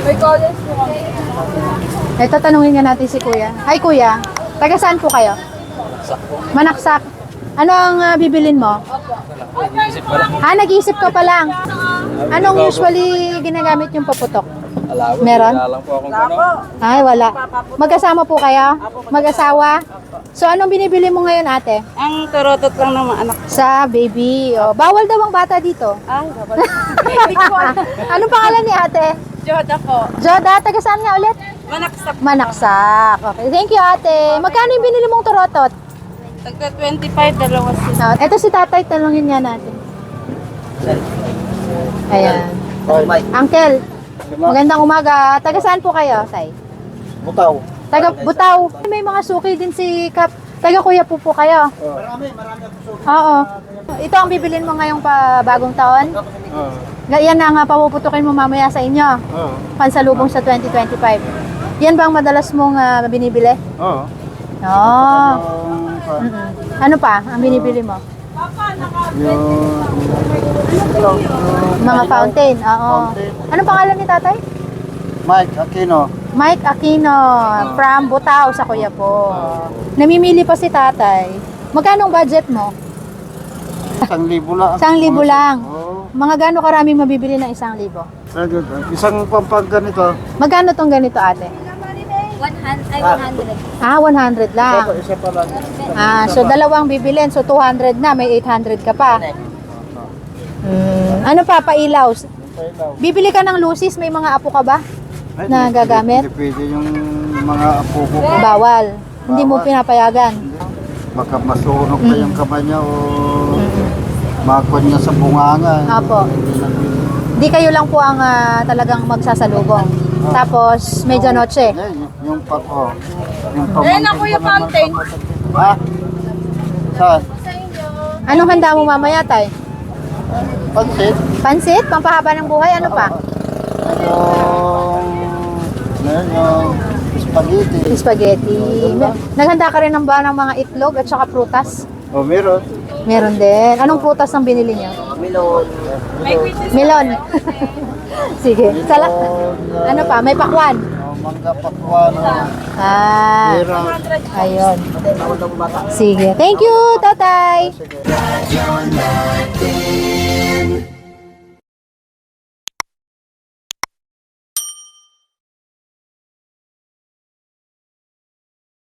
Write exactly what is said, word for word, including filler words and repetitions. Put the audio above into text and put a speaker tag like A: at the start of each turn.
A: Ito, tanungin nga natin si Kuya. Hi, Kuya. Taga saan po kayo? Manaksak. Ano ang uh, bibilin mo? Ha, nag-iisip ka pa lang. Anong usually ginagamit yung paputok? Meron? Ay, wala. Mag-asama po kayo? Mag-asawa? So, anong binibili mo ngayon, ate?
B: Ang turotot lang ng mga anak.
A: Sa baby. Oh, bawal daw ang bata dito.
B: Ay, babal. Hindi ko alam.
A: Anong pangalan ni ate?
B: Joda po.
A: Joda, taga saan nga ulit?
B: Manaksak.
A: Manaksak. Okay, thank you, ate. Magkano yung binili mong turotot?
B: Tagka twenty-five, dalawa sila.
A: Uh, ito si tatay, tanungin nga natin. Ayan. Uncle, magandang umaga. Taga saan po kayo, tay?
C: Butaw.
A: Taga Butaw. May mga suki din si Kap. Taga Kuya po po kayo.
C: Marami, marami ako suki.
A: Oo. Ito ang bibilin mo ngayong pa bagong taon?
C: Oo.
A: Yan ang uh, papuputukin mo mamaya sa inyo.
C: Oo.
A: Pansalubong sa twenty twenty-five. Yan ba ang madalas mong uh, binibili?
C: Oo.
A: Oo. Mm-mm. Ano pa ang binibili mo?
C: Yung...
A: Mga fountain. Oo. Anong pangalan ni tatay?
C: Mike Aquino.
A: Mike Aquino from Butaw sa Kuya po. Namimili pa si tatay. Magkano ang budget mo?
C: Isang libo lang.
A: Isang libo lang.
C: Oo.
A: Mga gano'ng karami mabibili ng isang libo?
C: Sagad. Isang pampag ganito.
A: Magkano tong ganito, ate?
B: one hundred, ay one hundred.
A: Ah, one hundred lang.
C: Isa pa lang.
A: Ah, so dalawang bibilin. So two hundred na, may eight hundred ka pa. Hmm. Ano pa, pailaw? Bibili ka ng lucis, may mga apo ka ba?
C: Ay,
A: Na
C: hindi-
A: gagamit?
C: Hindi pwede yung mga apo ko.
A: Bawal. Hindi mo
C: Bawal.
A: pinapayagan.
C: Baka masunog pa yung kamay niya o makon niya sa bunganga.
A: Apo.
C: Hindi na pwede.
A: Di kayo lang po ang ah, talagang magsasalubong. Tapos, medianoche.
C: Yan, yung- yung pa ko. Yung
B: Ayan ako yung fountain.
C: Ha? Saan?
A: Anong handa mo mamaya, tay?
C: Pansit?
A: Pansit? Pampahaba ng buhay? Ano pa?
C: Yung... Yan yung spaghetti.
A: Spaghetti. Naghanda ka rin ng ba ng mga itlog at saka prutas?
C: O, meron.
A: Meron din. Anong prutas ang binili niyo?
C: Melon.
A: Melon. Sige. Sala ano pa? May pakwan.
C: O, mangga pakwan.
A: Ah.
C: Meron.
A: Ayun. Sige. Thank you, tatay.
C: Sige.